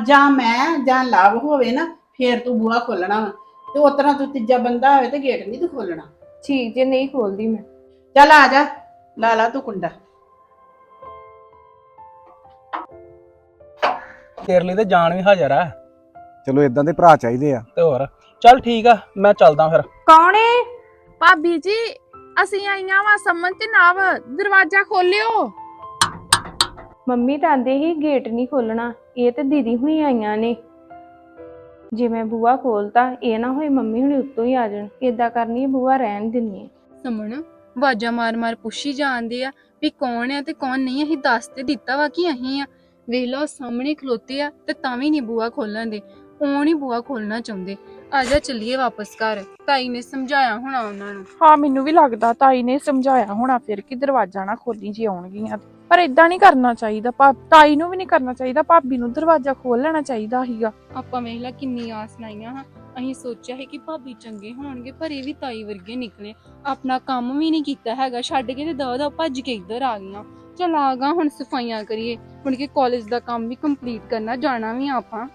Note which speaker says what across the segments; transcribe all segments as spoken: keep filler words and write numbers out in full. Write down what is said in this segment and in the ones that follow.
Speaker 1: ਜਾਂ ਮੈਂ ਜਾਂ ਲਵ ਹੋਵੇ ਨਾ ਫੇਰ ਤੂੰ ਬੂਹਾ ਖੋਲਣਾ ਵਾ ਤੇ ਉਸ ਤਰ੍ਹਾਂ ਤੂੰ ਤੀਜਾ ਬੰਦਾ ਹੋਵੇ ਤੇ ਗੇਟ ਨਹੀਂ ਤੂੰ ਖੋਲਣਾ।
Speaker 2: ਠੀਕ ਜੇ ਨਹੀਂ ਖੋਲਦੀ ਮੈਂ।
Speaker 1: ਚੱਲ ਆ ਜਾ ਲਾ ਲਾ ਤੂੰ ਕੁੰਡਾ।
Speaker 3: ਤੇਰੇ ਲਈ ਤੇ ਜਾਨ ਵੀ ਹਾਜ਼ਰ ਆ।
Speaker 4: ਚਲੋ ਇਦਾਂ ਦੇ ਭਰਾ ਚਾਹੀਦੇ ਆ।
Speaker 3: ਤੇ ਹੋਰ ਚੱਲ ਠੀਕ ਆ ਮੈਂ ਚੱਲਦਾ ਫਿਰ।
Speaker 2: ਕੌਣ ਏ?
Speaker 5: ਭਾਬੀ ਜੀ ਅਸੀਂ ਆਈਆਂ ਵਾ ਸਮਨ ਤੇ ਨਾਵ, ਦਰਵਾਜ਼ਾ ਖੋਲਿਓ।
Speaker 2: ਮੰਮੀ ਤਾਂ ਆਂਦੇ ਹੀ ਗੇਟ ਨਹੀਂ ਖੋਲਣਾ, ਇਹ ਤੇ ਦੀਦੀ ਹੁਣੀ ਆਈਆਂ ਨੇ। ਜੇ ਮੈਂ ਬੂਹਾ ਖੋਲਤਾ ਇਹ ਨਾ ਹੋਏ ਮੰਮੀ ਹੁਣੀ ਉੱਤੋਂ ਹੀ ਆ ਜਾਣ। ਏਦਾਂ ਕਰਨੀ ਬੂਹਾ ਰਹਿਣ ਦਿੰਨੀ ਆ।
Speaker 5: ਸਮਨ ਵਾਜਾ ਮਾਰ ਮਾਰ ਪੁੱਛੀ ਜਾਂਦੇ ਆ ਵੀ ਕੌਣ ਆ ਤੇ ਕੌਣ ਨਹੀਂ। ਅਸੀਂ ਦੱਸ ਤੇ ਦਿੱਤਾ ਵਾ ਕਿ ਅਸੀਂ ਆ। ਵੇਖ ਲਓ ਸਾਹਮਣੇ ਖਲੋਤੇ ਆ ਤੇ ਤਾਂ ਵੀ ਨਹੀਂ ਬੂਹਾ ਖੋਲਣ ਦੇ। ਉਹ ਨਹੀਂ ਬੂਹਾ ਖੋਲਣਾ ਚਾਹੁੰਦੇ। ਆ ਜਾ ਚੱਲੀਏ ਵਾਪਸ ਘਰ। ਤਾਈ ਨੇ ਸਮਝਾਇਆ ਹੋਣਾ ਉਹਨਾਂ ਨੂੰ।
Speaker 6: ਹਾਂ ਮੈਨੂੰ ਵੀ ਲੱਗਦਾ ਤਾਈ ਨੇ ਸਮਝਾਇਆ ਹੋਣਾ ਫਿਰ ਕਿ ਦਰਵਾਜ਼ਾ ਨਾ ਖੋਲੀ ਜੇ ਆਉਣਗੀਆਂ। ਪਰ ਇਦਾਂ ਨਹੀਂ ਕਰਨਾ ਚਾਹੀਦਾ। ਤਾਈ ਨੂੰ ਵੀ ਨਹੀਂ ਕਰਨਾ ਚਾਹੀਦਾ, ਭਾਬੀ ਨੂੰ ਦਰਵਾਜ਼ਾ ਖੋਲ ਲੈਣਾ ਚਾਹੀਦਾ ਸੀਗਾ।
Speaker 5: ਆਪਾਂ ਵੇਖ ਲਾ ਕਿੰਨੀ ਆਸ ਲਾਈਆਂ ਹਾਂ। ਅਸੀਂ ਸੋਚਿਆ ਹੈ ਕਿ ਭਾਬੀ ਚੰਗੇ ਹੋਣਗੇ ਪਰ ਇਹ ਵੀ ਤਾਈ ਵਰਗੇ ਨਿਕਲੇ। ਆਪਣਾ ਕੰਮ ਵੀ ਨਹੀਂ ਕੀਤਾ ਹੈਗਾ, ਛੱਡ ਕੇ ਤੇ ਦਵਾ ਦਵਾ ਭੱਜ ਕੇ ਇੱਧਰ ਆ ਗਈਆਂ। ਚਲ ਆ ਗਾ ਹੁਣ ਸਫਾਈਆਂ ਕਰੀਏ, ਹੁਣ ਕਿ ਕਾਲਜ ਦਾ ਕੰਮ ਵੀ ਕੰਪਲੀਟ ਕਰਨਾ, ਜਾਣਾ ਵੀ ਆਪਾਂ।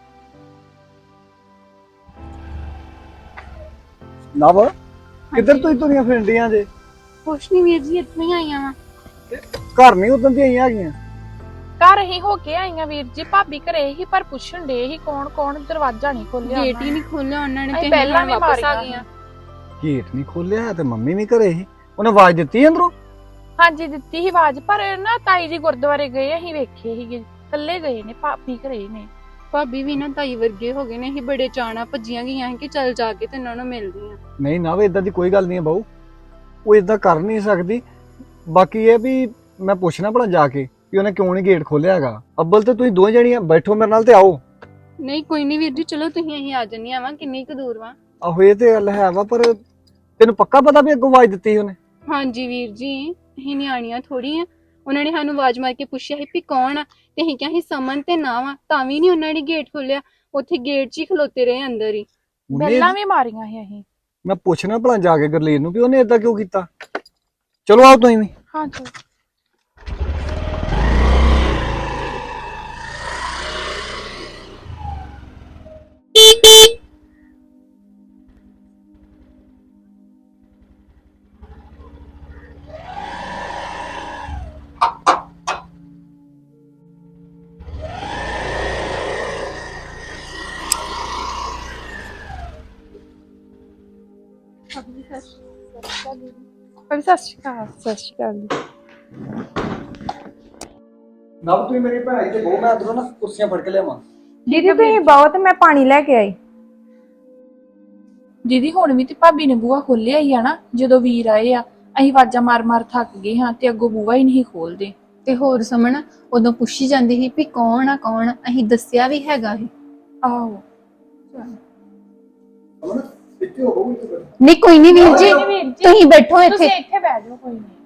Speaker 4: ਨਵ ਕਿੱਧਰ ਤੁਸੀਂ ਤੁਰੀਆਂ ਫਿਰਦੀਆਂ ਜੇ?
Speaker 5: ਕੁਛ ਨਹੀਂ ਵੀਰ ਜੀ, ਇੱਥੋਂ ਹੀ ਆਈਆਂ ਵਾ।
Speaker 4: ਘਰ ਨਹੀਂ ਉਦੋਂ ਦੀਆਂ ਆਈਆਂ ਹੈਗੀਆਂ।
Speaker 6: ਘਰ ਹੀ ਹੋ ਕੇ ਆਈਆਂ ਵੀਰ ਜੀ, ਭਾਬੀ ਘਰੇ ਹੀ ਪਰ ਪੁੱਛਣ ਡੇ ਹੀ ਕੌਣ ਕੌਣ, ਦਰਵਾਜ਼ਾ ਨਹੀਂ ਖੋਲਿਆ।
Speaker 5: ਗੇਟ ਹੀ ਨਹੀਂ ਖੋਲਿਆ ਉਹਨਾਂ ਨੇ
Speaker 6: ਅਸੀਂ
Speaker 5: ਤੇ
Speaker 6: ਪਹਿਲਾਂ ਵੀ
Speaker 5: ਵਾਪਸ ਆ
Speaker 6: ਮਾਰੀਆਂ।
Speaker 5: ਗਈਆਂ।
Speaker 4: ਗੇਟ ਨਹੀਂ ਖੋਲਿਆ ਤੇ ਮੰਮੀ ਵੀ ਘਰੇ ਸੀ, ਉਹਨੇ ਆਵਾਜ਼ ਦਿੱਤੀ ਅੰਦਰੋਂ?
Speaker 6: ਹਾਂਜੀ ਦਿੱਤੀ ਸੀ ਆਵਾਜ਼, ਪਰ ਨਾ ਤਾਈ ਜੀ ਗੁਰਦੁਆਰੇ ਗਏ, ਅਸੀਂ ਵੇਖੇ ਸੀਗੇ ਇਕੱਲੇ ਗਏ ਨੇ, ਭਾਬੀ ਘਰੇ ਨੇ।
Speaker 5: ਭਾਬੀ ਵੀ ਨਾ ਤਾਈ ਵਰਗੇ ਹੋ ਗਏ ਨੇ। ਅਸੀਂ ਬੜੇ ਚਾਣਾ ਭੱਜੀਆਂ ਗਈਆਂ ਸੀ ਕਿ ਚੱਲ ਜਾ ਕੇ ਤੇ ਇਹਨਾਂ ਨੂੰ ਮਿਲਦੀਆਂ।
Speaker 4: ਨਹੀਂ ਨਵ ਇਦਾਂ ਦੀ ਕੋਈ ਗੱਲ ਨਹੀਂ ਹੈ ਬਾਊ, ਉਹ ਇਦਾਂ ਕਰ ਨਹੀਂ ਸਕਦੀ। ਬਾਕੀ ਇਹ ਵੀ ਮੈਂ ਪੁੱਛਣਾ ਭਲਾ ਜਾ ਕੇ ਕਿ ਉਹਨੇ ਕਿਉਂ ਨਹੀਂ ਗੇਟ ਖੋਲਿਆ ਹੈਗਾ। ਅੱਬਲ ਤੇ ਤੁਸੀਂ ਦੋਵੇਂ ਜਣੀਆਂ ਬੈਠੋ ਮੇਰੇ ਨਾਲ ਤੇ ਆਓ।
Speaker 5: ਨਹੀਂ ਕੋਈ ਨਹੀਂ ਵੀਰ ਜੀ, ਚਲੋ ਤੁਸੀਂ ਅਸੀਂ ਆ ਜੰਨੀਆਂ ਵਾ। ਕਿੰਨੀ ਕੁ ਦੂਰ ਵਾ?
Speaker 4: ਆਹੋ ਇਹ ਤੇ ਗੱਲ ਹੈ ਵਾ, ਪਰ ਤੈਨੂੰ ਪੱਕਾ ਪਤਾ ਵੀ ਅੱਗੋਂ ਆਵਾਜ਼ ਦਿੱਤੀ ਸੀ ਉਹਨੇ?
Speaker 5: ਹਾਂਜੀ ਵੀਰ ਜੀ, ਅਸੀਂ ਨਿਆਣੀਆਂ ਥੋੜੀ ਆ। ਉਹਨਾਂ ਨੇ ਸਾਨੂੰ ਆਵਾਜ਼ ਮਾਰ ਕੇ ਪੁੱਛਿਆ ਸੀ ਵੀ ਕੌਣ ਆ ਤੇ ਅਸੀਂ ਕਿਹਾ ਸੀ ਸਮਨ ਤੇ ਨਾ ਵਾ, ਤਾਂ ਵੀ ਨਹੀਂ ਉਹਨਾਂ ਨੇ ਗੇਟ ਖੋਲਿਆ। ਉੱਥੇ ਗੇਟ 'ਚ ਹੀ ਖਲੋਤੇ ਰਹੇ ਅੰਦਰ ਹੀ।
Speaker 4: ਉਹਨੇ-
Speaker 6: ਪਹਿਲਾਂ ਵੀ ਮਾਰੀਆਂ ਸੀ ਅਸੀਂ।
Speaker 4: ਮੈਂ ਪੁੱਛਣਾ ਭਲਾ ਜਾ ਕੇ ਗਰਲੀਨ ਨੂੰ ਵੀ ਉਹਨੇ ਏਦਾਂ ਕਿਉਂ ਕੀਤਾ। ਚਲੋ ਆਓ ਤੁਸੀਂ ਵੀ।
Speaker 6: ਹਾਂ ਚਲੋ। ਪਰ ਸਤਿ ਸ਼੍ਰੀ ਅਕਾਲ। ਸਤਿ ਸ਼੍ਰੀ ਅਕਾਲ ਜੀ।
Speaker 4: ਨਵ ਤੁਸੀਂ ਮੇਰੀ ਭੈਣ ਤੇ ਬਹੁ, ਮੈਂ ਅੰਦਰੋਂ ਨਾ ਕੁਰਸੀਆਂ ਫੜ ਕੇ ਲਿਆਵਾਂ।
Speaker 2: ਦੀਦੀ ਤੁਸੀਂ ਬਹੁਤ, ਮੈਂ ਪਾਣੀ ਲੈ ਕੇ ਆਈ।
Speaker 6: ਦੀਦੀ ਹੁਣ ਵੀ ਤੇ ਭਾਬੀ ਨੇ ਬੂਹਾ ਖੋਲਿਆ ਹੀ ਆ ਨਾ। ਜਦੋਂ ਵੀਰ ਆਏ ਆ ਅਸੀਂ ਆਵਾਜ਼ਾਂ ਮਾਰ ਮਾਰ ਥੱਕ ਗਏ ਹਾਂ ਤੇ ਅੱਗੋਂ ਬੂਹਾ ਹੀ ਨਹੀਂ ਖੋਲਦੇ।
Speaker 5: ਤੇ ਹੋਰ ਸਮਨ ਉਦੋਂ ਪੁੱਛੀ ਜਾਂਦੀ ਸੀ ਵੀ ਕੌਣ ਆ ਕੌਣ ਆ, ਅਸੀਂ ਦੱਸਿਆ ਵੀ ਹੈਗਾ ਸੀ।
Speaker 6: ਆਹੋ
Speaker 4: ਇੱਥੇ ਹੋ ਬਹੁ, ਇੱਥੇ
Speaker 5: ਨਹੀਂ ਕੋਈ ਨਹੀਂ ਵੀਰ ਜੀ,
Speaker 6: ਵੀਰ ਜੀ,
Speaker 5: ਤੁਸੀਂ ਬੈਠੋ ਇੱਥੇ।
Speaker 6: ਤੁਸੀਂ ਇੱਥੇ ਬਹਿ ਜਾਓ, ਕੋਈ ਨਹੀਂ।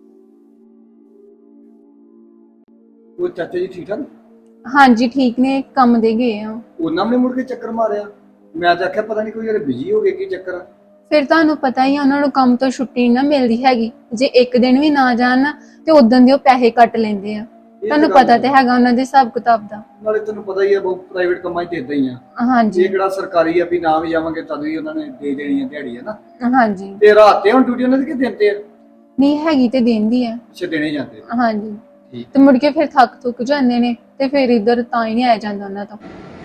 Speaker 4: ਉਹ ਚਾਚਾ ਜੀ ਠੀਕ ਠਾਕ?
Speaker 5: ਹਾਂਜੀ ਠੀਕ ਨੇ, ਕੰਮ ਦੇ ਗਏ ਆ।
Speaker 4: ਉਹਨਾਂ ਨੇ ਮੁੜ ਕੇ ਚੱਕਰ ਮਾਰਿਆ। ਮੈਂ ਤਾਂ ਆਖਿਆ ਪਤਾ ਨਹੀਂ ਕੋਈ ਯਾਰ ਬਿਜੀ ਹੋ ਗਏ, ਕੀ ਚੱਕਰ ਆ।
Speaker 5: ਫਿਰ ਤੁਹਾਨੂੰ ਪਤਾ ਹੀ ਆ ਉਹਨਾਂ ਨੂੰ ਕੰਮ ਤੋਂ ਛੁੱਟੀ ਨਾ ਮਿਲਦੀ ਹੈਗੀ। ਜੇ ਇੱਕ ਦਿਨ ਵੀ ਨਾ ਜਾਣ ਨਾ ਤੇ ਉਦੋਂ ਦੇ ਉਹ ਪੈਸੇ ਕੱਟ ਲੈਂਦੇ ਆ। ਤੁਹਾਨੂੰ ਪਤਾ ਤੇ ਹੈਗਾ ਉਹਨਾਂ ਦੇ ਹਿਸਾਬ ਕਿਤਾਬ ਦਾ।
Speaker 4: ਨਾਲੇ ਤੈਨੂੰ ਪਤਾ ਹੀ ਆ ਬਹੁਤ ਪ੍ਰਾਈਵੇਟ ਕੰਮਾਂ 'ਚ ਇਦਾਂ ਹੀ ਆ।
Speaker 5: ਹਾਂਜੀ
Speaker 4: ਇਹ ਕਿਹੜਾ ਸਰਕਾਰੀ ਆ ਵੀ ਨਾ ਵੀ ਜਾਵਾਂਗੇ ਤਦ ਵੀ ਉਹਨਾਂ ਨੇ ਦੇ ਦੇਣੀ ਆ ਦਿਹਾੜੀ, ਹੈ ਨਾ।
Speaker 5: ਹਾਂਜੀ
Speaker 4: ਤੇ ਰਾਤ ਤੇ ਹੁਣ ਡਿਊਟੀ ਉਹਨਾਂ ਦੀ ਕਿ ਦਿਨ ਤੇ ਆ?
Speaker 5: ਨਹੀਂ ਹੈਗੀ ਤੇ ਦਿੰਦੀ ਆ।
Speaker 4: ਅੱਛਾ ਦੇਣੇ ਜਾਂਦੇ।
Speaker 5: ਹਾਂਜੀ
Speaker 4: ਠੀਕ।
Speaker 5: ਤੇ ਮੁੜ ਕੇ ਫਿਰ ਥੱਕ ਥੁੱਕ ਜਾਂਦੇ ਨੇ ਤੇ ਫਿਰ ਇੱਧਰ ਤਾਂ ਹੀ ਨਹੀਂ ਆਇਆ ਜਾਂਦਾ ਉਹਨਾਂ ਤੋਂ।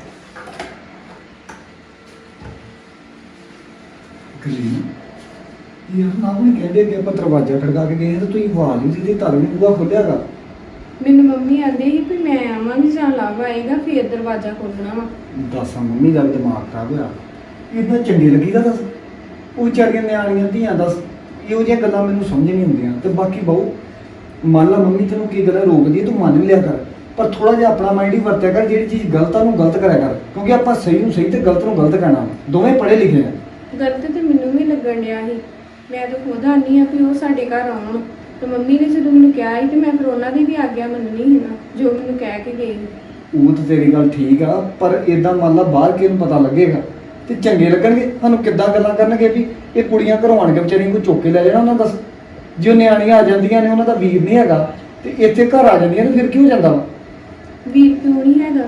Speaker 4: ਯਾਰ ਨਾ ਵੀ ਕਹਿੰਦੇ ਕਿ ਆਪਾਂ ਦਰਵਾਜ਼ਾ ਖੜਕਾ ਕੇ ਗਏ ਤਾਂ ਤੁਸੀਂ ਆਵਾਜ਼ ਨਹੀਂ ਦਿੱਤੀ, ਤਦ ਵੀ ਬੂਹਾ ਖੋਲਿਆਗਾ।
Speaker 2: ਮੈਨੂੰ ਮੰਮੀ ਆਂਦੇ ਸੀ ਵੀ ਮੈਂ ਆਵਾਂਗੀ ਜਾਂ ਲਵ ਆਏਗਾ ਫੇਰ ਦਰਵਾਜ਼ਾ ਖੋਲਣਾ ਵਾ।
Speaker 4: ਦੱਸਾਂ ਮੰਮੀ ਦਾ ਵੀ ਦਿਮਾਗ ਖਰਾਬ ਹੋਇਆ। ਇਦਾਂ ਚੰਗੀ ਲੱਗੀ ਦਾ ਦੱਸ। ਉਹ ਚੜੀਆਂ ਨਿਆਣੀਆਂ ਧੀਆਂ ਦੱਸ, ਇਹੋ ਜਿਹੀਆਂ ਗੱਲਾਂ ਮੈਨੂੰ ਸਮਝ ਨਹੀਂ ਆਉਂਦੀਆਂ। ਤੇ ਬਾਕੀ ਬਹੁ ਮੰਨ ਲਾ ਮੰਮੀ ਤੈਨੂੰ ਕੀ ਗੱਲਾਂ ਰੋਕਦੀ ਹੈ, ਤੂੰ ਮੰਨ ਲਿਆ ਕਰ, ਪਰ ਥੋੜਾ ਜਿਹਾ ਆਪਣਾ ਮਾਈਂਡ ਹੀ ਵਰਤਿਆ ਕਰ। ਜਿਹੜੀ ਚੀਜ਼ ਗਲਤ ਆ ਉਹਨੂੰ ਗਲਤ ਕਰਿਆ ਕਰ, ਕਿਉਂਕਿ ਆਪਾਂ ਸਹੀ ਨੂੰ ਸਹੀ ਤੇ ਗਲਤ ਨੂੰ ਗਲਤ ਕਹਿਣਾ। ਦੋਵੇਂ ਪੜ੍ਹੇ ਲਿਖੇ ਆ।
Speaker 2: ਗਲਤ ਤੇ ਮੈਨੂੰ ਵੀ ਲੱਗਣ ਡਿਆ ਸੀ। ਮੈਂ ਤਾਂ ਖੁਦ ਆਨੀ ਆ ਵੀ ਉਹ ਸਾਡੇ ਘਰ ਆਉਣ, ਤੇ ਮੰਮੀ ਨੇ ਜਦੋਂ ਮੈਨੂੰ ਕਿਹਾ ਸੀ ਤੇ ਮੈਂ ਫਿਰ ਉਹਨਾਂ ਦੀ ਵੀ ਆਗਿਆ ਮੰਨਣੀ ਸੀ ਨਾ, ਜੋ ਮੈਨੂੰ ਕਹਿ ਕੇ ਗਏ।
Speaker 4: ਉਹ ਤਾਂ ਤੇਰੀ ਗੱਲ ਠੀਕ ਆ, ਪਰ ਇਦਾਂ ਮੰਨ ਲਾ ਬਾਹਰ ਕਿਹਨੂੰ ਪਤਾ ਲੱਗੇਗਾ ਤੇ ਚੰਗੇ ਲੱਗਣਗੇ। ਸਾਨੂੰ ਕਿੱਦਾਂ ਗੱਲਾਂ ਕਰਨਗੇ ਵੀ ਇਹ ਕੁੜੀਆਂ ਘਰੋਂ ਆਣ ਕੇ ਵਿਚਾਰੀਆਂ ਨੂੰ ਚੁੱਕ ਕੇ ਲੈ ਜਾਣਾ ਉਹਨਾਂ। ਦੱਸ ਜੇ ਉਹ ਨਿਆਣੀਆਂ ਆ ਜਾਂਦੀਆਂ ਨੇ, ਉਹਨਾਂ ਦਾ ਵੀਰ ਨਹੀਂ ਹੈਗਾ ਤੇ ਇੱਥੇ ਘਰ ਆ ਜਾਂਦੀਆਂ ਨੇ, ਫਿਰ ਕੀ ਹੋ ਜਾਂਦਾ ਵਾ?
Speaker 2: ਵੀਰ ਕਿਉਂ ਨਹੀਂ ਹੈਗਾ?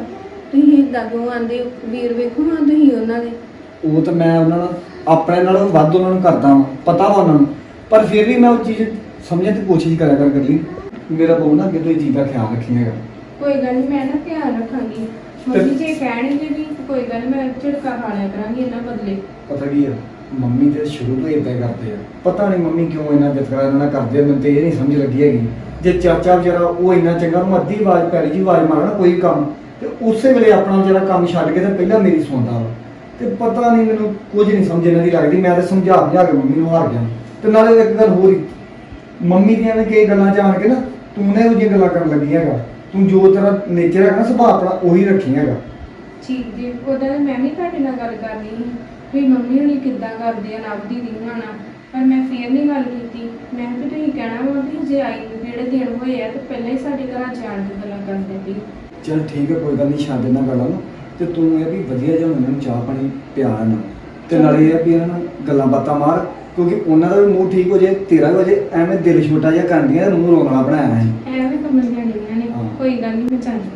Speaker 2: ਤੁਸੀਂ ਇਦਾਂ ਕਿਉਂ ਆਂਦੇ ਹੋ? ਵੀਰ ਵੇਖੋ ਹਾਂ ਤੁਸੀਂ ਉਹਨਾਂ ਦੇ।
Speaker 4: ਉਹ ਤਾਂ ਮੈਂ ਉਹਨਾਂ ਨਾਲ ਆਪਣੇ ਨਾਲੋਂ ਵੱਧ ਉਹਨਾਂ ਨੂੰ ਕਰਦਾ ਵਾਂ, ਪਤਾ ਵਾ ਉਹਨਾਂ ਨੂੰ, ਪਰ ਫਿਰ ਵੀ ਮੈਂ ਉਹ ਚੀਜ਼ ਸਮਝਣ ਦੀ ਕੋਸ਼ਿਸ਼ ਕਰਿਆ ਕਰ ਕਰ ਲਈ। ਮੇਰਾ ਬਹੁ ਨਾ ਅੱਗੇ ਤੋਂ ਇਹ ਚੀਜ਼ ਦਾ ਖਿਆਲ ਰੱਖੀਏਗਾ।
Speaker 2: ਕੋਈ ਗੱਲ ਨਹੀਂ, ਮੈਂ ਨਾ ਧਿਆਨ ਰੱਖਾਂਗੀ। ਮੰਮੀ ਜੇ ਕਹਿਣਗੇ ਵੀ ਕੋਈ ਗੱਲ ਨੀ, ਮੈਂ ਝਿੜਕਾ ਖਾ ਲਿਆ ਕਰਾਂਗੀ ਇਹਨਾਂ ਬਦਲੇ।
Speaker 4: ਪਤਾ ਕੀ ਆ, ਮੰਮੀ ਤੇ ਸ਼ੁਰੂ ਤੋਂ ਇਦਾਂ ਕਰਦੇ ਆ, ਪਤਾ ਨਹੀਂ ਮੰਮੀ ਕਿਉਂ ਇੰਨਾ ਵਿਤਕਰਾ ਇਹਨਾਂ ਨਾਲ ਕਰਦੇ ਆ, ਮੈਨੂੰ ਤੇ ਇਹ ਨਹੀਂ ਸਮਝ ਲੱਗੀ ਹੈਗੀ। ਜੇ ਚਾਚਾ ਵਿਚਾਰਾ ਉਹ ਇੰਨਾ ਚੰਗਾ, ਉਹਨੂੰ ਅੱਧੀ ਆਵਾਜ਼ ਪੈਰੀ ਜੀ ਆਵਾਜ਼ ਮਾਰਨਾ ਕੋਈ ਕੰਮ, ਤੇ ਉਸੇ ਵੇਲੇ ਆਪਣਾ ਜਿਹੜਾ ਕੰਮ ਛੱਡ ਕੇ ਤੇ ਪਹਿਲਾਂ ਮੇਰੀ ਸੁਣਦਾ ਵਾ। ਤੇ ਪਤਾ ਨਹੀਂ ਮੈਨੂੰ ਕੁਝ ਨਹੀਂ ਸਮਝ ਇਹਨਾਂ ਦੀ ਲੱਗਦੀ। ਮੈਂ ਤਾਂ ਸਮਝਾ ਸਮਝਾ ਕੇ ਮੰਮੀ ਨੂੰ ਹਾਰ ਗਿਆ। ਤੇ ਨਾਲੇ ਇੱਕ ਗੱਲ ਹੋਰ ਹੀ, ਮੰਮੀ ਦੀਆਂ ਨੇ ਕਈ ਗੱਲਾਂ ਜਾਣ ਕੇ ਨਾ ਤੂੰ ਨੇ ਉਹ ਜਿਹੀਆਂ ਗੱਲਾਂ ਕਰਨ ਲੱਗੀ ਹੈਗਾ। ਤੂੰ ਜੋ ਤੇਰਾ ਨੇਚਰ ਹੈਗਾ ਨਾ, ਸੁਭਾਅ ਆਪਣਾ ਉਹੀ ਰੱਖੀ ਹੈਗਾ।
Speaker 2: ਠੀਕ ਜੀ, ਉਹਦਾ ਤਾਂ ਮੈਂ ਵੀ ਤੁਹਾਡੇ ਨਾਲ ਗੱਲ ਕਰਨੀ ਸੀ ਵੀ ਮੰਮੀ ਹੁਣੀ ਕਿੱਦਾਂ ਕਰਦੇ ਆ ਨਵ ਦੀ ਰੀਹਾਂ ਨਾਲ, ਪਰ ਮੈਂ ਫੇਰ ਨਹੀਂ ਗੱਲ ਕੀਤੀ। ਮੈਂ ਵੀ ਤੁਸੀਂ ਕਹਿਣਾ ਵਾ ਵੀ ਜੇ ਆਈ ਨੂੰ ਜਿਹੜੇ ਦਿਨ ਹੋਏ ਆ ਤੇ ਪਹਿਲਾਂ ਹੀ ਸਾਡੇ ਘਰਾਂ ਜਾਣ ਦੀ ਗੱਲਾਂ ਕਰਦੇ ਪਈ।
Speaker 4: ਚਲ ਠੀਕ ਹੈ, ਕੋਈ ਗੱਲ ਨਹੀਂ, ਛੱਡ ਇਹਨਾਂ ਗੱਲਾਂ ਨੂੰ। ਤੇ ਤੂੰ ਇਹ ਵੀ ਵਧੀਆ ਜਿਹਾ ਉਹਨਾਂ ਨੂੰ ਚਾਹ ਪਾਣੀ ਪਿਆ ਨਾ, ਤੇ ਨਾਲੇ ਇਹ ਵੀ ਇਹਨਾਂ ਨਾਲ ਗੱਲਾਂ ਬਾਤਾਂ ਮਾਰ, ਕਿਉਂਕਿ ਉਹਨਾਂ ਦਾ ਵੀ ਮੂਡ ਠੀਕ ਹੋ ਜਾਏ, ਤੇਰਾ ਵੀ ਹੋ ਜਾਏ। ਐਵੇਂ ਦਿਲ ਛੋਟਾ ਜਿਹਾ ਕਰਦੀਆਂ, ਮੂੰਹ ਰੋਣ ਵਾਲਾ ਬਣਾਇਆ ਹੈ।
Speaker 2: ਐਵੇਂ ਕਮਲ ਜਾਣੀਆਂ ਨੇ,
Speaker 4: ਹਾਂ।
Speaker 2: ਕੋਈ ਗੱਲ ਨਹੀਂ, ਮੈਂ ਚਾਹਦੀ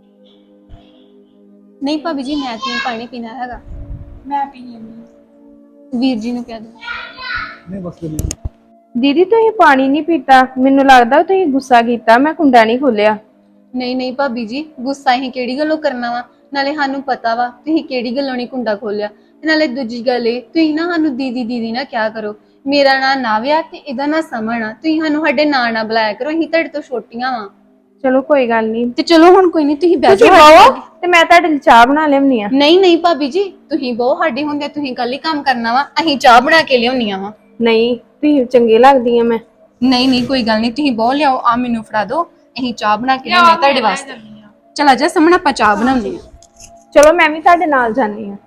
Speaker 5: ਨਹੀਂ ਭਾਬੀ ਜੀ, ਮੈਂ ਤੇ ਪਾਣੀ ਪੀਣਾ ਹੈਗਾ।
Speaker 6: ਮੈਂ ਪੀ ਲੈਂਦੀ।
Speaker 5: ਵੀਰ ਜੀ ਨੂੰ ਕਹਿ ਦੋ।
Speaker 4: ਨਹੀਂ ਬਸ
Speaker 2: ਦੀਦੀ ਤੁਸੀਂ ਪਾਣੀ ਨਹੀਂ ਪੀਤਾ, ਮੈਨੂੰ ਲੱਗਦਾ ਤੁਸੀਂ ਗੁੱਸਾ ਕੀਤਾ, ਮੈਂ ਕੁੰਡਾ ਨਹੀਂ ਖੋਲਿਆ।
Speaker 5: ਨਹੀਂ ਨਹੀਂ ਭਾਬੀ ਜੀ, ਗੁੱਸਾ ਹੀ ਕਿਹੜੀ ਗੱਲੋਂ ਕਰਨਾ ਵਾ? ਨਾਲੇ ਸਾਨੂੰ ਪਤਾ ਵਾ ਤੁਸੀਂ ਕਿਹੜੀ ਗੱਲੋਂ ਨਹੀਂ ਕੁੰਡਾ ਖੋਲਿਆ। ਤੇ ਨਾਲੇ ਦੂਜੀ ਗੱਲ ਇਹ, ਤੁਸੀਂ ਨਾ ਸਾਨੂੰ ਦੀਦੀ ਦੀਦੀ ਨਾ ਕਿਆ ਕਰੋ। ਮੇਰਾ ਨਾਂ ਨਾਵਿਆ ਤੇ ਇਹਦਾ ਨਾਂ ਸਮਣ ਆ। ਤੁਸੀਂ ਸਾਨੂੰ ਸਾਡੇ ਨਾਂ ਨਾ ਬੁਲਾਇਆ ਕਰੋ, ਅਸੀਂ ਤੁਹਾਡੇ ਤੋਂ ਛੋਟੀਆਂ ਵਾ।
Speaker 2: ਚਲੋ ਕੋਈ ਗੱਲ ਨਹੀਂ,
Speaker 5: ਤੇ ਚਲੋ ਹੁਣ ਕੋਈ ਨਹੀਂ, ਤੁਸੀਂ ਬਹਿ
Speaker 2: ਤੁਸੀਂ
Speaker 5: ਜਾਓ।
Speaker 2: ਬਾਓ ਤੇ ਮੈਂ ਤੁਹਾਡੇ ਲਈ ਚਾਹ ਬਣਾ ਲਿਆਉਣੀ ਆ।
Speaker 5: ਨਹੀਂ ਨਹੀਂ ਭਾਬੀ ਜੀ, ਤੁਸੀਂ ਬਹੁਤ ਸਾਡੇ ਹੁੰਦੇ, ਤੁਸੀਂ ਕੱਲ ਹੀ ਕੰਮ ਕਰਨਾ ਵਾ, ਅਸੀਂ ਚਾਹ ਬਣਾ ਕੇ ਲਿਆਉਣੀਆਂ ਵਾ।
Speaker 2: ਨਹੀਂ, ਤੁਸੀਂ ਚੰਗੇ ਲੱਗਦੀ ਆ ਮੈਂ।
Speaker 5: ਨਹੀਂ ਨਹੀਂ ਕੋਈ ਗੱਲ ਨਹੀਂ, ਤੁਸੀਂ ਬਹੁਤ ਲਿਆਓ, ਆ ਮੈਨੂੰ ਫੜਾ ਦਿਓ, ਅਸੀਂ ਚਾਹ ਬਣਾ ਕੇ ਲਿਆਉਣੀ ਤੁਹਾਡੇ ਵਾਸਤੇ। ਚਲਾ ਜਾ ਸਮਣ, ਆਪਾਂ ਚਾਹ ਬਣਾਉਂਦੇ ਆ।
Speaker 2: ਚਲੋ ਮੈਂ ਵੀ ਤੁਹਾਡੇ ਨਾਲ ਜਾਂਦੀ ਆ।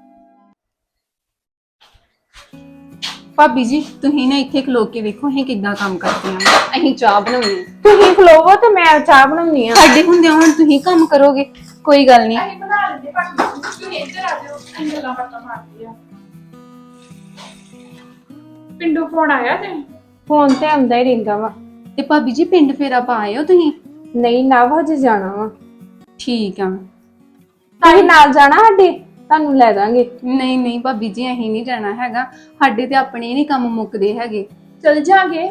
Speaker 5: ਭਾਬੀ ਜੀ ਤੁਸੀਂ ਨਾ ਇੱਥੇ ਖਲੋ ਕੇ ਵੇਖੋ ਅਸੀਂ ਕਿੱਦਾਂ ਕੰਮ ਕਰਦੇ ਆ। ਅਸੀਂ ਚਾਹ ਬਣਾਉਣੀ ਆ।
Speaker 2: ਤੁਸੀਂ ਖਲੋਵੋ ਤੇ ਮੈਂ ਚਾਹ ਬਣਾਉਣੀ ਆ।
Speaker 5: ਸਾਡੇ ਹੁੰਦੇ ਹੁਣ ਤੁਸੀਂ ਕੰਮ ਕਰੋਗੇ, ਕੋਈ ਗੱਲ ਨਹੀਂ।
Speaker 6: ਅਸੀਂ ਬਣਾ ਲੈਂਦੇ, ਪਰ ਤੁਸੀਂ ਇੱਧਰ ਆ ਜਾਓ, ਅਸੀਂ ਗੱਲਾਂ ਬਾਤਾਂ ਮਾਰਦੇ ਆ। ਪਿੰਡੋਂ ਫੋਨ ਆਇਆ ਤੇ
Speaker 2: ਫੋਨ ਤੇ ਆਉਂਦਾ ਹੀ ਰਹਿੰਦਾ ਵਾ।
Speaker 5: ਤੇ ਭਾਬੀ ਜੀ ਪਿੰਡ ਫੇਰਾ ਪਾ ਆਇਓ ਤੁਸੀਂ?
Speaker 2: ਨਹੀਂ ਨਾ, ਹਜੇ ਜਾਣਾ ਵਾ।
Speaker 5: ਠੀਕ ਆ।
Speaker 2: ਤੁਸੀਂ ਨਾਲ ਜਾਣਾ ਸਾਡੇ? ਤੁਹਾਨੂੰ ਲੈ ਜਾਾਂਗੇ।
Speaker 5: ਨਹੀਂ ਨਹੀਂ ਭਾਬੀ ਜੀ, ਅਸੀਂ ਨਹੀਂ ਜਾਣਾ ਹੈਗਾ, ਸਾਡੇ ਤੇ ਆਪਣੇ ਨਹੀਂ ਕੰਮ ਮੁੱਕਦੇ ਹੈਗੇ।
Speaker 6: ਚਲ ਜਾਗੇ।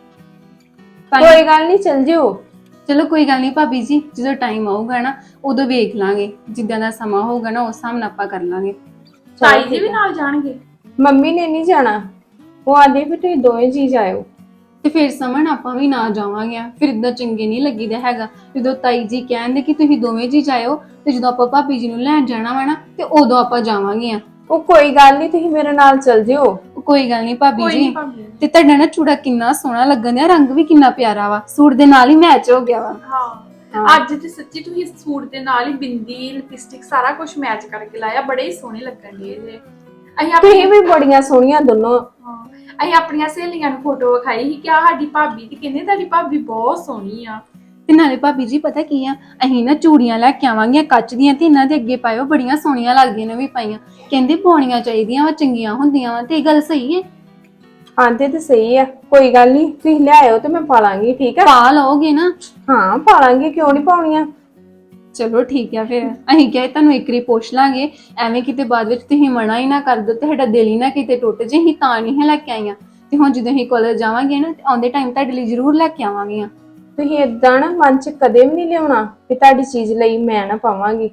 Speaker 2: ਕੋਈ ਗੱਲ ਨਹੀਂ, ਚਲ ਜਿਓ।
Speaker 5: ਚਲੋ ਕੋਈ ਗੱਲ ਨਹੀਂ ਭਾਬੀ ਜੀ, ਜਦੋਂ ਟਾਈਮ ਆਊਗਾ ਨਾ ਉਦੋਂ ਵੇਖ ਲਾਂਗੇ, ਜਿੱਦਾਂ ਦਾ ਸਮਾਂ ਹੋਊਗਾ ਨਾ ਉਸ ਹਿਸਾਬ ਨਾਲ ਆਪਾਂ ਕਰ ਲਾਂਗੇ।
Speaker 6: ਤਾਈ ਜੀ ਵੀ ਨਾਲ ਜਾਣਗੇ?
Speaker 2: ਮੰਮੀ ਨੇ ਨਹੀਂ ਜਾਣਾ, ਉਹ ਆਂਦੀ ਵੀ ਤੁਸੀਂ ਦੋਵੇਂ ਜੀ ਜਾਇਓ।
Speaker 5: ਤੇ ਫਿਰ ਸਮਣ ਆਪਾਂ ਵੀ ਨਾ ਜਾਵਾਂਗੇ, ਫਿਰ ਇਦਾਂ ਚੰਗੇ ਨਹੀਂ ਲੱਗੀਦਾ ਹੈਗਾ। ਜਦੋਂ ਤਾਈ ਜੀ ਕਹਿੰਦੇ ਕਿ ਤੁਸੀਂ ਦੋਵੇਂ ਜੀ ਜਾਇਓ, ਤੇ ਜਦੋਂ ਆਪਾਂ ਭਾਬੀ ਜੀ ਨੂੰ ਲੈਣ ਜਾਣਾ ਵਾ ਨਾ ਤੇ ਉਦੋਂ ਆਪਾਂ ਜਾਵਾਂਗੇ ਆ।
Speaker 2: ਉਹ ਕੋਈ ਗੱਲ ਨਹੀਂ, ਤੁਸੀਂ ਮੇਰੇ ਨਾਲ ਚਲ ਜਿਓ।
Speaker 5: ਕੋਈ ਗੱਲ ਨਹੀਂ ਭਾਬੀ
Speaker 6: ਕੋਈ
Speaker 5: ਜੀ।
Speaker 6: ਨਹੀਂ ਭਾਬੀ।
Speaker 5: ਤੇ ਤੁਹਾਡਾ ਨਾ ਚੂੜਾ ਕਿੰਨਾ ਸੋਹਣਾ ਲੱਗਣ ਡਿਆ, ਰੰਗ ਵੀ ਕਿੰਨਾ ਪਿਆਰਾ ਵਾ, ਸੂਟ ਦੇ ਨਾਲ ਹੀ ਮੈਚ ਹੋ ਗਿਆ ਵਾ।
Speaker 6: ਹਾਂ, ਅੱਜ ਤੇ ਸੱਚੀ ਤੁਸੀਂ ਸੂਟ ਦੇ ਨਾਲ ਹੀ ਬਿੰਦੀ, ਲਿਪਸਟਿਕ ਸਾਰਾ ਕੁਝ ਮੈਚ ਕਰਕੇ ਲਾਇਆ, ਬੜੇ ਹੀ ਸੋਹਣੇ ਲੱਗਣ ਡੇ ਜੇ। ਅਸੀਂ
Speaker 2: ਤੁਸੀਂ ਵੀ ਬੜੀਆਂ ਸੋਹਣੀਆਂ ਦੋਨੋਂ।
Speaker 6: ਹਾਂ, ਅਸੀਂ ਆਪਣੀਆਂ ਸਹੇਲੀਆਂ ਨੂੰ ਫੋਟੋ ਵਿਖਾਈ ਸੀ ਕਿ ਆ ਸਾਡੀ ਭਾਬੀ, ਤੇ ਕਹਿੰਦੇ ਤੁਹਾਡੀ ਭਾਬੀ ਬਹੁਤ ਸੋਹਣੀ ਆ।
Speaker 5: ਤੇ ਨਾਲੇ ਭਾਬੀ ਜੀ ਪਤਾ ਕੀ ਆ, ਅਸੀਂ ਨਾ ਚੂੜੀਆਂ ਲੈ ਕੇ ਆਵਾਂਗੀਆਂ ਕੱਚ ਦੀਆਂ, ਤੇ ਇਹਨਾਂ ਦੇ ਅੱਗੇ ਪਾਇਓ, ਬੜੀਆਂ ਸੋਹਣੀਆਂ ਲੱਗਦੀਆਂ ਨੇ ਵੀ ਪਾਈਆਂ। ਕਹਿੰਦੇ ਪਾਉਣੀਆਂ ਚਾਹੀਦੀਆਂ ਵਾ, ਚੰਗੀਆਂ ਹੁੰਦੀਆਂ ਵਾ, ਤੇ ਇਹ ਗੱਲ ਸਹੀ ਹੈ?
Speaker 2: ਆਂਦੇ ਤੇ ਸਹੀ ਆ, ਕੋਈ ਗੱਲ ਨਹੀਂ, ਤੁਸੀਂ ਲਿਆਇਓ ਤੇ ਮੈਂ ਪਾ ਲਾਂਗੀ। ਠੀਕ ਆ?
Speaker 5: ਪਾ ਲਓਗੇ ਨਾ?
Speaker 2: ਹਾਂ ਪਾ ਲਾਂਗੀ, ਕਿਉਂ ਨਹੀਂ ਪਾਉਣੀਆਂ।
Speaker 5: ਚਲੋ ਠੀਕ ਆ, ਫਿਰ ਅਸੀਂ ਕਿਹਾ ਤੁਹਾਨੂੰ ਇੱਕ ਵਾਰੀ ਪੁੱਛ ਲਾਂਗੇ, ਐਵੇਂ ਕਿਤੇ ਬਾਅਦ ਵਿੱਚ ਤੁਸੀਂ ਮਨਾ ਹੀ ਨਾ ਕਰ ਦਿਓ ਤੇ ਸਾਡਾ ਦਿਲ ਹੀ ਨਾ ਕਿਤੇ ਟੁੱਟ ਜੇ। ਅਸੀਂ ਤਾਂ ਨਹੀਂ ਲੈ ਕੇ ਆਈਆਂ, ਤੇ ਹੁਣ ਜਦੋਂ ਅਸੀਂ ਕਾਲਜ ਜਾਵਾਂਗੇ ਨਾ, ਆਉਂਦੇ ਟਾਈਮ ਤੁਹਾਡੇ ਲਈ ਜ਼ਰੂਰ ਲੈ ਕੇ ਆਵਾਂਗੀਆਂ।
Speaker 2: ਤੁਸੀਂ ਏਦਾਂ ਨਾ ਮਨ ਚ ਕਦੇ ਵੀ ਨਹੀਂ ਲਿਆਉਣਾ ਕਿ ਤੁਹਾਡੀ ਚੀਜ਼ ਲਈ ਮੈਂ ਨਾ ਪਾਵਾਂਗੀ।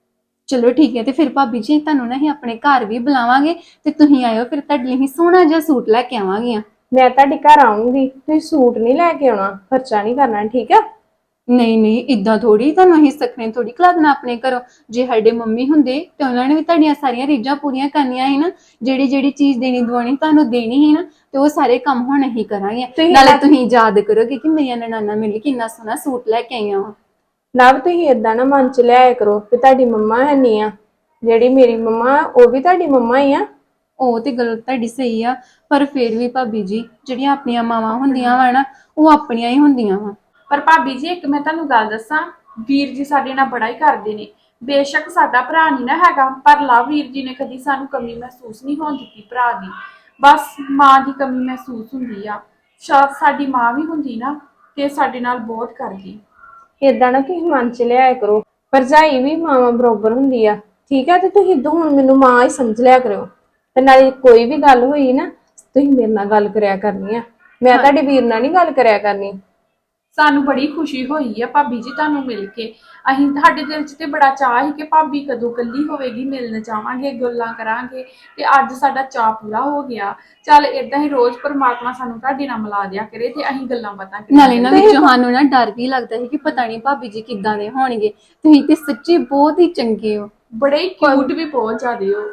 Speaker 5: ਚਲੋ ਠੀਕ ਹੈ, ਤੇ ਫਿਰ ਭਾਬੀ ਜੀ ਤੁਹਾਨੂੰ ਨਾ ਅਸੀਂ ਆਪਣੇ ਘਰ ਵੀ ਬੁਲਾਵਾਂਗੇ, ਤੇ ਤੁਸੀਂ ਆਇਓ, ਫਿਰ ਤੁਹਾਡੇ ਲਈ ਅਸੀਂ ਸੋਹਣਾ ਜਿਹਾ ਸੂਟ ਲੈ ਕੇ ਆਵਾਂਗੀਆਂ।
Speaker 2: ਮੈਂ ਤੁਹਾਡੇ ਘਰ ਆਉਂਗੀ, ਤੁਸੀਂ ਸੂਟ ਨਹੀਂ ਲੈ ਕੇ ਆਉਣਾ, ਖਰਚਾ ਨਹੀਂ ਕਰਨਾ, ਠੀਕ ਆ?
Speaker 5: ਨਹੀਂ ਨਹੀਂ, ਇਦਾਂ ਥੋੜੀ, ਤੁਹਾਨੂੰ ਅਸੀਂ ਸਖਣੇ ਥੋੜੀ ਖਲਾਦਣਾ ਆਪਣੇ ਘਰੋਂ। ਜੇ ਸਾਡੇ ਮੰਮੀ ਹੁੰਦੇ ਤੇ ਉਹਨਾਂ ਨੇ ਵੀ ਤੁਹਾਡੀਆਂ ਸਾਰੀਆਂ ਰੀਝਾਂ ਪੂਰੀਆਂ ਕਰਨੀਆਂ ਸੀ ਨਾ, ਜਿਹੜੀ ਜਿਹੜੀ ਚੀਜ਼ ਦੇਣੀ ਦਵਾਉਣੀ ਤੁਹਾਨੂੰ ਦੇਣੀ ਸੀ ਨਾ, ਤੇ ਉਹ ਸਾਰੇ ਕੰਮ ਹੁਣ ਅਸੀਂ ਕਰਾਂਗੇ। ਨਾਲੇ ਤੁਸੀਂ ਯਾਦ ਕਰੋਗੇ ਕਿ ਮੇਰੀਆਂ ਨਨਾਣਾ ਮਿਲ ਕੇ ਕਿੰਨਾ ਸੋਹਣਾ ਸੂਟ ਲੈ ਕੇ ਆਈਆਂ ਵਾ।
Speaker 2: ਨਾ ਤੁਸੀਂ ਏਦਾਂ ਨਾ ਮਨ ਚ ਲਿਆਇਆ ਕਰੋ ਕਿ ਤੁਹਾਡੀ ਮੰਮਾ ਹੈ ਨਹੀਂ ਆ, ਜਿਹੜੀ ਮੇਰੀ ਮੰਮਾ ਉਹ ਵੀ ਤੁਹਾਡੀ ਮੰਮਾ ਹੀ ਆ।
Speaker 5: ਉਹ ਤੇ ਗੱਲ ਤੁਹਾਡੀ ਸਹੀ ਆ, ਪਰ ਫਿਰ ਵੀ ਭਾਬੀ ਜੀ, ਜਿਹੜੀਆਂ ਆਪਣੀਆਂ ਮਾਵਾਂ ਹੁੰਦੀਆਂ ਵਾ ਨਾ, ਉਹ ਆਪਣੀਆਂ ਹੀ ਹੁੰਦੀਆਂ ਵਾ।
Speaker 6: ਪਰ ਭਾਬੀ ਜੀ ਇੱਕ ਮੈਂ ਤੁਹਾਨੂੰ ਗੱਲ ਦੱਸਾਂ, ਵੀਰ ਜੀ ਸਾਡੇ ਨਾਲ ਬੜਾ ਹੀ ਕਰਦੇ ਨੇ। ਬੇਸ਼ੱਕ ਸਾਡਾ ਭਰਾ ਨਹੀਂ ਨਾ ਹੈਗਾ, ਪਰ ਲਵ ਵੀਰ ਜੀ ਨੇ ਕਦੀ ਸਾਨੂੰ ਕਮੀ ਮਹਿਸੂਸ ਨਹੀਂ ਹੋਣ ਦਿੱਤੀ ਭਰਾ ਦੀ। ਬਸ ਮਾਂ ਦੀ ਕਮੀ ਮਹਿਸੂਸ ਹੁੰਦੀ ਆ, ਸ਼ਾਇਦ ਸਾਡੀ ਮਾਂ ਵੀ ਹੁੰਦੀ ਨਾ ਤੇ ਸਾਡੇ ਨਾਲ ਬਹੁਤ ਕਰਦੀ।
Speaker 2: ਏਦਾਂ ਨਾ ਤੁਸੀਂ ਮਨ ਚ ਲਿਆਇਆ ਕਰੋ, ਭਰਜਾਈ ਵੀ ਮਾਵਾਂ ਬਰੋਬਰ ਹੁੰਦੀ ਆ, ਠੀਕ ਆ। ਤੇ ਤੁਸੀਂ ਤਾਂ ਹੁਣ ਮੈਨੂੰ ਮਾਂ ਹੀ ਸਮਝ ਲਿਆ ਕਰੋ। ਤੇ ਨਾਲੇ ਕੋਈ ਵੀ ਗੱਲ ਹੋਈ ਨਾ, ਤੁਸੀਂ ਮੇਰੇ ਨਾਲ ਗੱਲ ਕਰਿਆ ਕਰਨੀ ਆ, ਮੈਂ ਤੁਹਾਡੇ ਵੀਰ ਨਾਲ ਨਹੀਂ ਗੱਲ ਕਰਿਆ ਕਰਨੀ।
Speaker 6: ਸਾਨੂੰ ਬੜੀ ਖੁਸ਼ੀ ਹੋਈ ਆ ਭਾਬੀ ਜੀ ਤੁਹਾਨੂੰ ਮਿਲ ਕੇ। ਅਸੀਂ ਸਾਡੇ ਦਿਲ 'ਚ ਤੇ ਬੜਾ ਚਾਅ ਸੀ ਕਿ ਭਾਬੀ ਕਦੋਂ ਕੱਲੀ ਹੋਵੇਗੀ, ਮਿਲਣ ਜਾਵਾਂਗੇ, ਗੱਲਾਂ ਕਰਾਂਗੇ, ਤੇ ਅੱਜ ਸਾਡਾ ਚਾਅ ਪੂਰਾ ਹੋ ਗਿਆ। ਚੱਲ ਏਦਾਂ ਹੀ ਰੋਜ਼ ਪਰਮਾਤਮਾ ਸਾਨੂੰ ਤੁਹਾਡੇ ਨਾਲ ਮਿਲਾ ਦਿਆ ਕਰੇ ਤੇ ਅਸੀਂ ਗੱਲਾਂ ਬਾਤਾਂ ਕਰੀਏ।
Speaker 5: ਨਾਲੇ ਨਾ ਵਿੱਚ ਸਾਨੂੰ ਨਾ ਡਰ ਵੀ ਲੱਗਦਾ ਸੀ ਕਿ ਪਤਾ ਨਹੀਂ ਭਾਬੀ ਜੀ ਕਿੱਦਾਂ ਦੇ ਹੋਣਗੇ। ਤੁਸੀਂ ਤੇ ਸੱਚੀ ਬਹੁਤ ਹੀ ਚੰਗੇ ਹੋ।
Speaker 6: ਬੜੇ ਕਿਊਟ ਵੀ ਬਹੁਤ ਜ਼ਿਆਦੇ ਹੋ।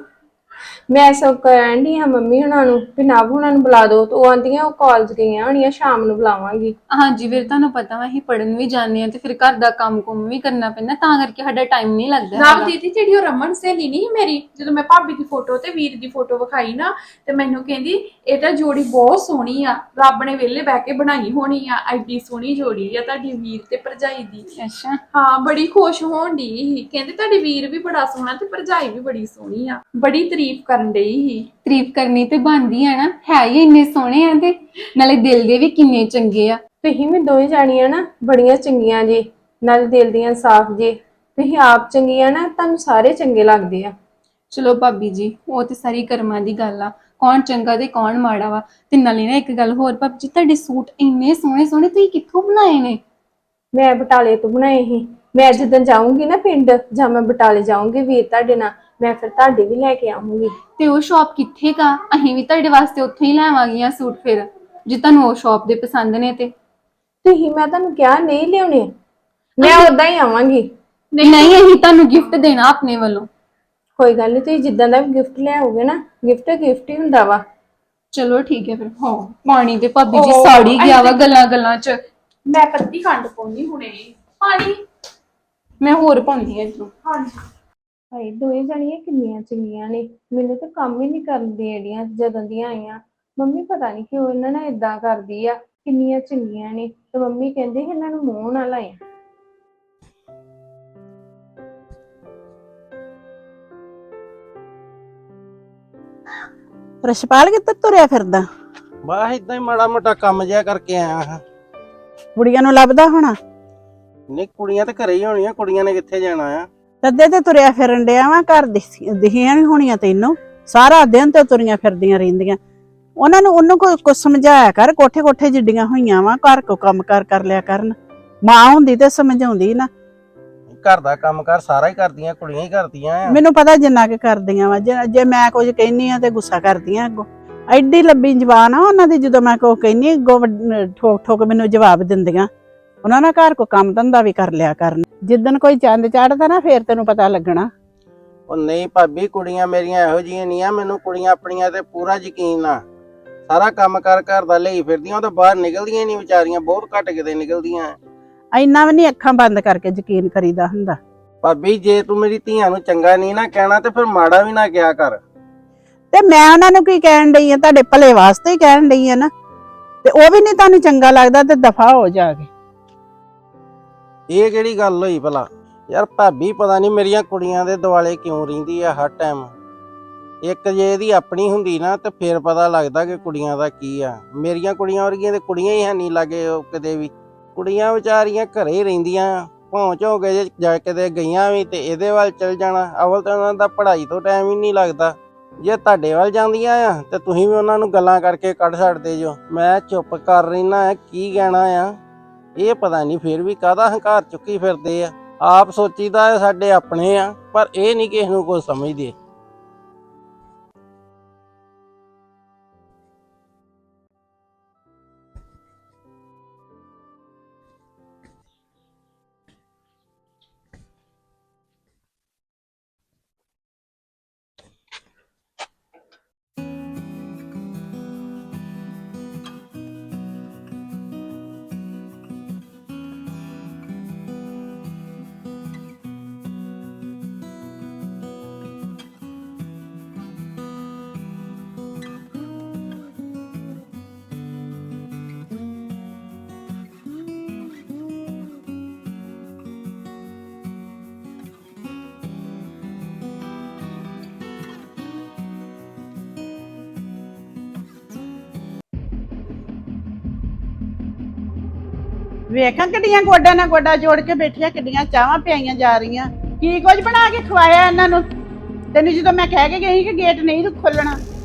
Speaker 2: ਮੈਂ ਸਭ ਕਹਿਣ ਡਈ ਹਾਂ ਮੰਮੀ ਹੁਣਾਂ ਨੂੰ ਵੀ ਨਵ ਹੁਣਾਂ ਨੂੰ ਬੁਲਾ ਦਿਓ, ਤੇ ਉਹ ਆਂਦੀਆਂ ਉਹ ਕਾਲਜ ਗਈਆਂ ਹੋਣੀਆਂ, ਸ਼ਾਮ ਨੂੰ ਬੁਲਾਵਾਂਗੀ।
Speaker 5: ਹਾਂਜੀ, ਫਿਰ ਤੁਹਾਨੂੰ ਪਤਾ ਵਾ ਅਸੀਂ ਪੜਨ ਵੀ ਜਾਂਦੇ ਆ ਤੇ ਫਿਰ ਘਰ ਦਾ ਕੰਮ ਕੁਮ ਵੀ ਕਰਨਾ ਪੈਂਦਾ, ਤਾਂ ਕਰਕੇ ਸਾਡਾ ਟਾਈਮ ਨਹੀਂ ਲੱਗਦਾ
Speaker 6: ਨਾਲ
Speaker 5: ਹੈਗਾ।
Speaker 6: ਦੀਦੀ ਜਿਹੜੀ ਉਹ ਰਮਨ ਸਹੇਲੀ ਨਹੀਂ ਮੇਰੀ, ਜਦੋਂ ਮੈਂ ਭਾਬੀ ਦੀ ਫੋਟੋ ਤੇ ਵੀਰ ਦੀ ਫੋਟੋ ਵਿਖਾਈ ਨਾ, ਤੇ ਮੈਨੂੰ ਕਹਿੰਦੀ ਇਹ ਤਾਂ ਜੋੜੀ ਬਹੁਤ ਸੋਹਣੀ ਆ, ਰੱਬ ਨੇ ਵਿਹਲੇ ਬਹਿ ਕੇ ਬਣਾਈ ਹੋਣੀ ਆ, ਐਡੀ ਸੋਹਣੀ ਜੋੜੀ ਆ ਤੁਹਾਡੀ ਵੀਰ ਤੇ ਭਰਜਾਈ ਦੀ।
Speaker 5: ਅੱਛਾ।
Speaker 6: ਹਾਂ, ਬੜੀ ਖੁਸ਼ ਹੋਣ ਡਈ ਸੀ, ਕਹਿੰਦੇ ਤੁਹਾਡੀ ਵੀਰ ਵੀ ਬੜਾ ਸੋਹਣਾ ਤੇ ਭਰਜਾਈ ਵੀ ਬੜੀ ਸੋਹਣੀ ਆ, ਬੜੀ ਤਾਰੀਫ ਕਰਨ ਡਈ ਸੀ।
Speaker 5: ਤਾਰੀਫ ਕਰਨੀ ਤੇ ਬਣਦੀ ਆ ਨਾ, ਹੈ ਹੀ ਇੰਨੇ ਸੋਹਣੇ ਆ ਤੇ ਨਾਲੇ ਦਿਲ ਦੇ ਵੀ ਕਿੰਨੇ ਚੰਗੇ ਆ।
Speaker 2: ਤੁਸੀਂ ਵੀ ਦੋਵੇਂ ਜਾਣੀਆਂ ਨਾ ਬੜੀਆਂ ਚੰਗੀਆਂ ਜੇ, ਨਾਲ ਦਿਲ ਦੀਆਂ ਸਾਫ਼ ਜੇ। ਤੁਸੀਂ ਆਪ ਚੰਗੀਆਂ ਨਾ, ਤੁਹਾਨੂੰ ਸਾਰੇ ਚੰਗੇ ਲੱਗਦੇ ਆ।
Speaker 5: ਚਲੋ ਭਾਬੀ ਜੀ, ਉਹ ਤੇ ਸਾਰੀ ਕਰਮਾਂ ਦੀ ਗੱਲ ਆ, ਕੌਣ ਚੰਗਾ ਤੇ ਕੌਣ ਮਾੜਾ ਵਾ। ਤੇ ਨਾਲੇ ਨਾ ਇੱਕ ਗੱਲ ਹੋਰ ਭਾਬੀ ਜੀ, ਤੁਹਾਡੇ ਸੂਟ ਇੰਨੇ ਸੋਹਣੇ ਸੋਹਣੇ ਤੁਸੀਂ ਕਿੱਥੋਂ ਬਣਾਏ ਨੇ?
Speaker 2: ਮੈਂ ਬਟਾਲੇ ਤੋਂ ਬਣਾਏ ਸੀ। ਮੈਂ ਜਦੋਂ ਜਾਊਂਗੀ ਨਾ ਪਿੰਡ, ਜਾਂ ਮੈਂ ਬਟਾਲੇ ਜਾਊਂਗੀ ਵੀਰ ਤੁਹਾਡੇ ਨਾਲ, ਮੈਂ ਫਿਰ ਤੁਹਾਡੇ ਵੀ ਲੈ ਕੇ ਆਉਂਗੀ।
Speaker 5: ਤੇ ਉਹ ਸ਼ਾਪ ਕਿੱਥੇ ਕਾ? ਅਸੀਂ ਵੀ ਤੁਹਾਡੇ ਵਾਸਤੇ ਉੱਥੋਂ ਹੀ ਲੈਵਾਂਗੀਆਂ ਸੂਟ, ਫਿਰ ਜੇ ਤੁਹਾਨੂੰ ਉਹ ਸ਼ਾਪ ਦੇ ਪਸੰਦ ਨੇ ਤੇ।
Speaker 2: ਤੁਸੀਂ, ਮੈਂ ਤੁਹਾਨੂੰ ਕਿਹਾ ਨਹੀਂ ਲਿਆਉਣੇ, ਮੈਂ ਉਦਾਂ ਹੀ ਆਵਾਂਗੀ।
Speaker 5: ਨਹੀਂ ਨਹੀਂ, ਅਸੀਂ ਤੁਹਾਨੂੰ ਗਿਫਟ ਦੇਣਾ ਆਪਣੇ ਵੱਲੋਂ।
Speaker 2: ਕੋਈ ਗੱਲ ਨਹੀਂ, ਤੁਸੀਂ ਜਿੱਦਾਂ ਦਾ ਵੀ ਗਿਫਟ ਲਿਆਓਗੇ ਨਾ, ਗਿਫਟ ਗਿਫਟ ਹੀ ਹੁੰਦਾ ਵਾ।
Speaker 5: ਚਲੋ ਠੀਕ ਹੈ ਫਿਰ। ਹਾਂ, ਪਾਣੀ ਤੇ ਭਾਬੀ ਜੀ
Speaker 6: ਉਹ
Speaker 5: ਸਾੜ ਹੀ ਗਿਆ ਵਾ
Speaker 6: ਅਸੀਂ-
Speaker 5: ਗੱਲਾਂ ਗੱਲਾਂ ਚ।
Speaker 6: ਮੈਂ ਕੱਤੀ ਖੰਡ ਪਾਉਣੀ ਹੁਣੇ। ਪਾਣੀ।
Speaker 5: ਮੈਂ ਹੋਰ ਪਾਉਂਦੀ ਹਾਂ ਇੱਧਰੋਂ।
Speaker 6: ਹਾਂਜੀ।
Speaker 2: ਭਾਈ ਦੋਵੇਂ ਜਾਣੀਆਂ ਕਿੰਨੀਆਂ ਚੰਗੀਆਂ ਨੇ, ਮੈਨੂੰ ਤਾਂ ਕੰਮ ਹੀ ਨਹੀਂ ਕਰਨ ਦੇਣੀਆਂ ਜਦੋਂ ਦੀਆਂ ਆਈਆਂ। ਮੰਮੀ ਪਤਾ ਨਹੀਂ ਕਿਉਂ ਇਹਨਾਂ ਨਾਲ ਏਦਾਂ ਕਰਦੀ ਆ, ਕਿੰਨੀਆਂ ਚੰਗੀਆਂ ਨੇ। ਤੇ ਮੰਮੀ ਕਹਿੰਦੇ ਇਹਨਾਂ ਨੂੰ ਮੂੰਹ ਨਾ ਲਾਏ।
Speaker 1: ਰਸ਼ਪਾਲ ਕਿੱਥੇ ਤੁਰਿਆ ਫਿਰਦਾ?
Speaker 7: ਬਸ ਇਦਾਂ ਹੀ ਮਾੜਾ ਮੋਟਾ ਕੰਮ ਜਿਹਾ ਕਰਕੇ ਆਇਆ ਹਾਂ।
Speaker 1: ਕੁੜੀਆਂ ਨੂੰ ਲੱਭਦਾ ਹੋਣਾ।
Speaker 7: ਨਹੀਂ, ਕੁੜੀਆਂ ਤੇ ਘਰੇ ਹੀ ਹੋਣੀਆਂ, ਕੁੜੀਆਂ ਨੇ ਕਿੱਥੇ ਜਾਣਾ ਆ।
Speaker 1: ਤੱਦੇ ਤੇ ਤੁਰਿਆ ਫਿਰਨ ਡਿਆ ਵਾ, ਘਰ ਦਿਖੀਆਂ ਨਹੀਂ ਹੋਣੀਆਂ ਤੈਨੂੰ, ਸਾਰਾ ਦਿਨ ਤੇ ਤੁਰੀਆਂ ਫਿਰਦੀਆਂ ਰਹਿੰਦੀਆਂ। ਉਹਨਾਂ ਨੂੰ ਉਹਨੂੰ ਕੋਈ ਕੁਝ ਸਮਝਾਇਆ ਕਰ, ਕੋਠੇ ਕੋਠੇ ਜਿੱਡੀਆਂ ਹੋਈਆਂ ਵਾ, ਘਰ ਕੋ ਕੰਮ ਕਰ ਕਰ ਲਿਆ ਕਰਨ। ਮਾਂ ਹੁੰਦੀ ਤੇ ਸਮਝਾਉਂਦੀ ਨਾ।
Speaker 7: ਘਰ ਦਾ ਕੰਮ ਕਾਰ ਸਾਰਾ ਹੀ ਕਰਦੀਆਂ, ਕੁੜੀਆਂ ਹੀ ਕਰਦੀਆਂ ਆ।
Speaker 1: ਮੈਨੂੰ ਪਤਾ ਜਿੰਨਾ ਕਿ ਕਰਦੀਆਂ ਵਾ, ਜੇ ਮੈਂ ਕੁਝ ਕਹਿੰਨੀ ਆ ਤੇ ਗੁੱਸਾ ਕਰਦੀਆਂ ਅੱਗੋਂ। ਐਡੀ ਲੰਬੀ ਜ਼ਬਾਨ ਆ ਉਹਨਾਂ ਦੀ, ਜਦੋਂ ਮੈਂ ਕੁਝ ਕਹਿੰਨੀ ਅੱਗੋਂ ਠੋਕ ਠੋਕ ਮੈਨੂੰ ਜਵਾਬ ਦਿੰਦੀਆਂ। ਉਹਨਾਂ ਨਾਲ ਘਰ ਕੋ ਕੰਮ ਧੰਦਾ ਵੀ ਕਰ ਲਿਆ ਕਰਨ। ਜਿੱਦਣ ਕੋਈ ਚੰਦ ਚੜ੍ਹਦਾ ਨਾ, ਫੇਰ ਤੈਨੂੰ ਪਤਾ ਲੱਗਣਾ।
Speaker 7: ਉਹ ਨਹੀਂ ਭਾਬੀ, ਕੁੜੀਆਂ ਮੇਰੀਆਂ ਇਹੋ ਜਿਹੀਆਂ ਨਹੀਂ ਆ, ਮੈਨੂੰ ਕੁੜੀਆਂ ਆਪਣੀਆਂ ਤੇ ਪੂਰਾ ਯਕੀਨ ਆ। ਸਾਰਾ ਕੰਮ ਕਾਰ ਘਰ ਦਾ ਲਈ ਫਿਰਦੀਆਂ, ਉਹ ਤਾਂ ਬਾਹਰ ਨਿਕਲਦੀਆਂ ਨਹੀਂ ਵਿਚਾਰੀਆਂ, ਬਹੁਤ ਘੱਟ ਕਿਤੇ ਨਿਕਲਦੀਆਂ।
Speaker 1: ਇੰਨਾ ਵੀ ਨਹੀਂ ਅੱਖਾਂ ਬੰਦ ਕਰਕੇ ਯਕੀਨ ਕਰੀਦਾ ਹੁੰਦਾ।
Speaker 7: ਭਾਬੀ, ਜੇ ਤੂੰ ਮੇਰੀ ਧੀਆਂ ਨੂੰ ਚੰਗਾ ਨਹੀਂ ਨਾ ਕਹਿਣਾ ਤੇ ਫਿਰ ਮਾੜਾ ਵੀ ਨਾ ਕਿਹਾ ਕਰ।
Speaker 1: ਤੇ ਮੈਂ ਉਹਨਾਂ ਨੂੰ ਕੀ ਕਹਿਣ ਡਈ ਆ? ਤੁਹਾਡੇ ਭਲੇ ਵਾਸਤੇ ਹੀ ਕਹਿਣ ਡਈ ਆ ਨਾ। ਤੇ ਉਹ ਵੀ ਨਹੀਂ ਤੁਹਾਨੂੰ ਚੰਗਾ ਲੱਗਦਾ ਤੇ ਦਫਾ ਹੋ ਜਾ ਕੇ।
Speaker 7: ਇਹ ਕਿਹੜੀ ਗੱਲ ਹੋਈ ਭਲਾ? ਯਾਰ ਭਾਬੀ, ਪਤਾ ਨਹੀਂ ਮੇਰੀਆਂ ਕੁੜੀਆਂ ਦੇ ਦੁਆਲੇ ਕਿਉਂ ਰਹਿੰਦੀ ਆ ਹਰ ਟਾਈਮ। ਇੱਕ ਜੇ ਇਹਦੀ ਆਪਣੀ ਹੁੰਦੀ ਨਾ ਤੇ ਫੇਰ ਪਤਾ ਲੱਗਦਾ ਕਿ ਕੁੜੀਆਂ ਦਾ ਕੀ ਆ। ਮੇਰੀਆਂ ਕੁੜੀਆਂ ਵਰਗੀਆਂ ਤੇ ਕੁੜੀਆਂ ਹੀ ਹੈ ਨਹੀਂ ਲਾਗੇ ਉਹ ਕਿਤੇ ਵੀ। ਕੁੜੀਆਂ ਵਿਚਾਰੀਆਂ ਘਰੇ ਹੀ ਰਹਿੰਦੀਆਂ, ਭੌਂ ਝੋਂ ਕੇ ਜੇ ਜਾ ਕਿਤੇ ਗਈਆਂ ਵੀ ਤੇ ਇਹਦੇ ਵੱਲ ਚਲ ਜਾਣਾ। ਅਵਲ ਤਾਂ ਉਹਨਾਂ ਦਾ ਪੜ੍ਹਾਈ ਤੋਂ ਟਾਈਮ ਹੀ ਨਹੀਂ ਲੱਗਦਾ। ਜੇ ਤੁਹਾਡੇ ਵੱਲ ਜਾਂਦੀਆਂ ਆ ਤੇ ਤੁਸੀਂ ਵੀ ਉਹਨਾਂ ਨੂੰ ਗੱਲਾਂ ਕਰਕੇ ਕੱਢ ਛੱਡਦੇ ਜੋ। ਮੈਂ ਚੁੱਪ ਕਰ ਰਹਿਣਾ ਆ, ਕੀ ਕਹਿਣਾ ਆ। ਇਹ ਪਤਾ ਨਹੀਂ ਫਿਰ ਵੀ ਕਾਹਦਾ ਹੰਕਾਰ ਚੁੱਕੀ ਫਿਰਦੇ ਆ। ਆਪ ਸੋਚੀਦਾ ਸਾਡੇ ਆਪਣੇ ਆ, ਪਰ ਇਹ ਨਹੀਂ ਕਿਸੇ ਨੂੰ ਕੁਝ ਸਮਝਦੇ।
Speaker 1: ਵੇਖਾਂ ਕਿੱਡੀਆਂ ਗੋਡਾ ਨਾਲ ਗੋਡਾ ਜੋੜ ਕੇ ਬੈਠੀਆਂ, ਕਿੱਡੀਆਂ ਚਾਹਾਂ ਪਿਆਈਆਂ ਜਾ ਰਹੀਆਂ। ਕੀ ਕੁਝ ਬਣਾ ਕੇ ਖਵਾਇਆ ਇਹਨਾਂ ਨੂੰ? ਤੈਨੂੰ ਜਦੋਂ ਮੈਂ ਕਹਿ ਕੇ ਗਈ ਕਿ ਗੇਟ ਨਹੀਂ ਖੋਲਣਾ,